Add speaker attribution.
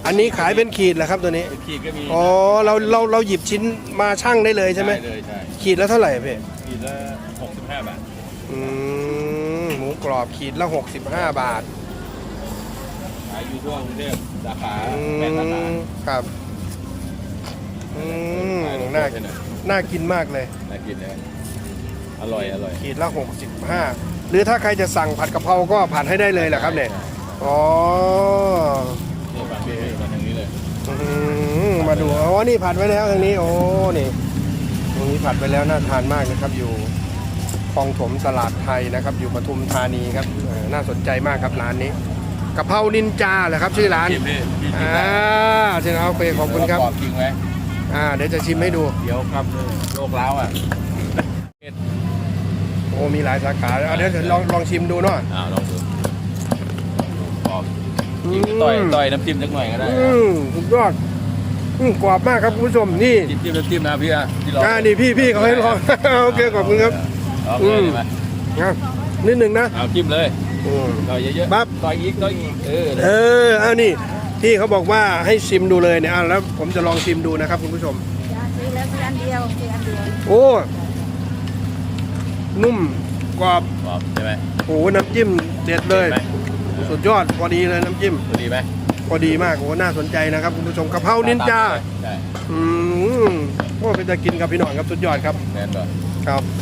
Speaker 1: อันนี้ขายเป็นขีดเหรอครับตัวนี้
Speaker 2: เป็นขีดก็มี
Speaker 1: อ๋อเราหยิบชิ้นมาชั่งได้เลยใช่ไหม
Speaker 2: ได้เลยใช่
Speaker 1: ขีดแล้วเท่าไหร่พี่
Speaker 2: ขีดละ65 บาท
Speaker 1: หมูกรอบขีดละ65 บาท
Speaker 2: ขายอยู่ทั่วกรุงเทพสาขา8 สาขา
Speaker 1: ครับ
Speaker 2: ขายทั่ว
Speaker 1: น่ากินมากเลย
Speaker 2: น่ากินนะอร่อย
Speaker 1: ขีดละ65หรือถ้าใครจะสั่งผัดกะเพราก็ผัดให้ได้เลยแหละครับเนี่ยอ๋อ
Speaker 2: นี่ฝั่งนี้มาทางนี้เลย
Speaker 1: มาดูอ๋อนี่ผัดไว้แล้วทางนี้โอ้นี่ตรงนี้ผัดไปแล้วน่าทานมากนะครับอยู่คลองถมตลาดไทยนะครับอยู่ปทุมธานีครับน่าสนใจมากครับร้านนี้กะเพรานินจาเหรอครับชื่อร้าน
Speaker 2: ชิมพี่ชิม
Speaker 1: ใช่ครับโอเคขอบคุณครับ
Speaker 2: กรอบจริงไหม
Speaker 1: เดี๋ยวจะชิมให้ดู
Speaker 2: เดี๋ยวครับโรคร้าวอ่ะ
Speaker 1: โอ้มีหลายสาขาเดี๋ยวลองชิมดูเนาะ
Speaker 2: ลองดูกรอบจิ้มต่อยน้ำจิ้มสักหน่อยก็ได้
Speaker 1: สุดยอดกรอบมากครับคุณผู้ชมนี่
Speaker 2: จิ้มน้ำจิ้มนะพี่อ่ะที่ลอง
Speaker 1: นี่พี่เขาให้ลอง โอเคขอบคุณครับ
Speaker 2: ลองเลยได้ไหม
Speaker 1: นิดหนึ่งนะ
Speaker 2: เอาจิ้มเลยต่อยเยอะๆ
Speaker 1: ปั๊บ
Speaker 2: ต่อยอีก
Speaker 1: เอานี่พี่เขาบอกว่าให้ชิมดูเลยเนี่ยแล้วผมจะลองชิมดูนะครับคุณผู้ชม
Speaker 3: ซื้อแล้วซื้ออันเดียวซื้ออันเดียว
Speaker 1: โอ้นุ่มกรอบ
Speaker 2: กรอบใช่ไหม
Speaker 1: โอ้น้ำจิ้มเด็ดเลย
Speaker 2: ไหม
Speaker 1: สุดยอดพอดีเลยน้ำจิ้ม
Speaker 2: ดีไหม
Speaker 1: พอดีมากโอ้น่าสนใจนะครับคุณผู้ชมกะเพรานินจา
Speaker 2: ใช่
Speaker 1: โอ้เป็นจะกินกับพี่หน่อยครับสุดยอดครับ
Speaker 2: แมนบ่
Speaker 1: ครับ